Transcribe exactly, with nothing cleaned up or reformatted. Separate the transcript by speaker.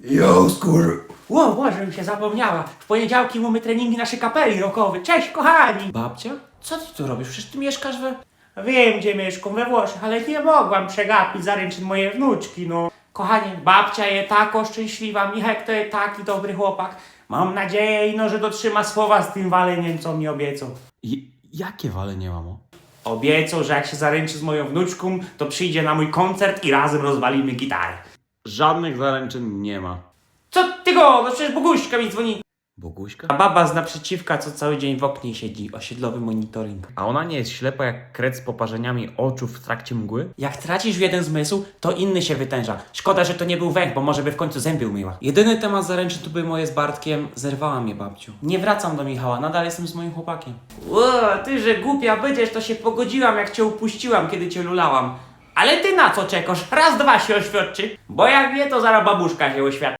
Speaker 1: Jo, skur...
Speaker 2: Ło, Boże, mi się zapomniała. W poniedziałki mamy treningi naszej kapeli rockowej. Cześć, kochani!
Speaker 3: Babcia? Co ty tu robisz? Przecież ty mieszkasz we...
Speaker 2: Wiem, gdzie mieszkam, we Włoszech, ale nie mogłam przegapić zaręczyn mojej wnuczki, no. Kochanie, babcia jest tako szczęśliwa, Michek to jest taki dobry chłopak. Mam nadzieję, no, że dotrzyma słowa z tym waleniem, co mi obiecał.
Speaker 3: I, jakie walenie, mamo?
Speaker 2: Obiecał, że jak się zaręczy z moją wnuczką, to przyjdzie na mój koncert i razem rozwalimy gitarę.
Speaker 3: Żadnych zaręczyn nie ma.
Speaker 2: Co ty go? No przecież Boguśka mi dzwoni.
Speaker 3: Boguśka?
Speaker 2: A baba z naprzeciwka, co cały dzień w oknie siedzi, osiedlowy monitoring.
Speaker 3: A ona nie jest ślepa jak kret z poparzeniami oczu w trakcie mgły?
Speaker 2: Jak tracisz jeden zmysł, to inny się wytęża. Szkoda, że to nie był węch, bo może by w końcu zęby umyła.
Speaker 3: Jedyny temat zaręczyn to były moje z Bartkiem. Zerwała mnie babciu.
Speaker 2: Nie wracam do Michała, nadal jestem z moim chłopakiem. Ło, ty, że głupia będziesz, to się pogodziłam, jak cię upuściłam, kiedy cię lulałam. Ale ty na co czekasz? Raz, dwa się oświadczy. Bo jak nie, to zaraz babuszka się oświadczy.